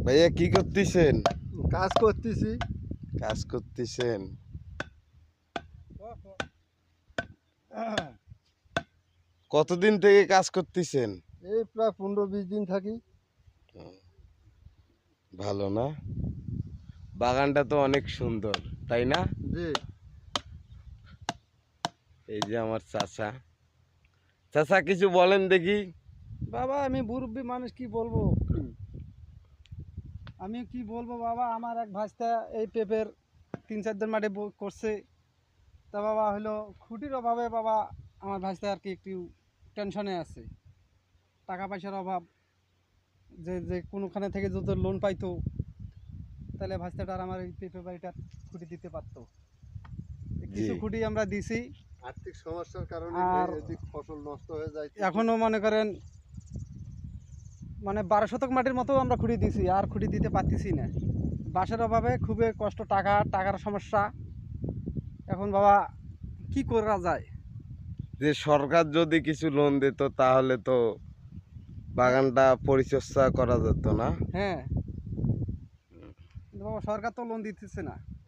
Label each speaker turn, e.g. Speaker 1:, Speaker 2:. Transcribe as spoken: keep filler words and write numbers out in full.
Speaker 1: ভাইয়া কি করতেছেন?
Speaker 2: কাজ করতেছি।
Speaker 1: কাজ করতেছেন? কতদিন থেকে কাজ করতেছেন?
Speaker 2: এই প্রায় পনেরো বিশ দিন থাকি।
Speaker 1: ভালো না? বাগানটা তো অনেক সুন্দর, তাই না?
Speaker 2: জি।
Speaker 1: এই যে আমার চাচা। চাচা কিছু বলেন দেখি।
Speaker 3: বাবা আমি মুরব্বী মানুষ, কি বলবো আমি কি বলবো বাবা। আমার এক ভাইস্তা এই পেঁপের তিন চার দিন মাঠে ব- করছে। তা বাবা হলো খুঁটির অভাবে বাবা আমার ভাইস্তা আর কি একটু টেনশনে আছে, টাকা পয়সার অভাব। যে যে কোনোখানে থেকে যদি লোন পাইতো তাহলে ভাইস্তাটা আর আমার এই পেঁপে বাড়িটা খুঁটি দিতে পারতো। কিছু
Speaker 1: জি।
Speaker 3: খুঁটি আমরা দিছি।
Speaker 2: আর্থিক সমস্যার কারণে
Speaker 3: আর
Speaker 2: এদিক ফসল নষ্ট হয়ে যায়।
Speaker 3: এখনো মনে করেন মানে বারো শতক মাটির মতো আমরা খুঁটি দিছি, আর খুঁটি দিতে পারতেছি না। বাসের অভাবে খুবই কষ্ট, টাকা টাকার সমস্যা। এখন বাবা কি করা যায়?
Speaker 1: যে সরকার যদি কিছু লোন দিত তাহলে তো বাগানটা পরিচর্যা করা যেত না?
Speaker 3: হ্যাঁ, কিন্তু বাবা সরকার তো লোন দিতেছে না।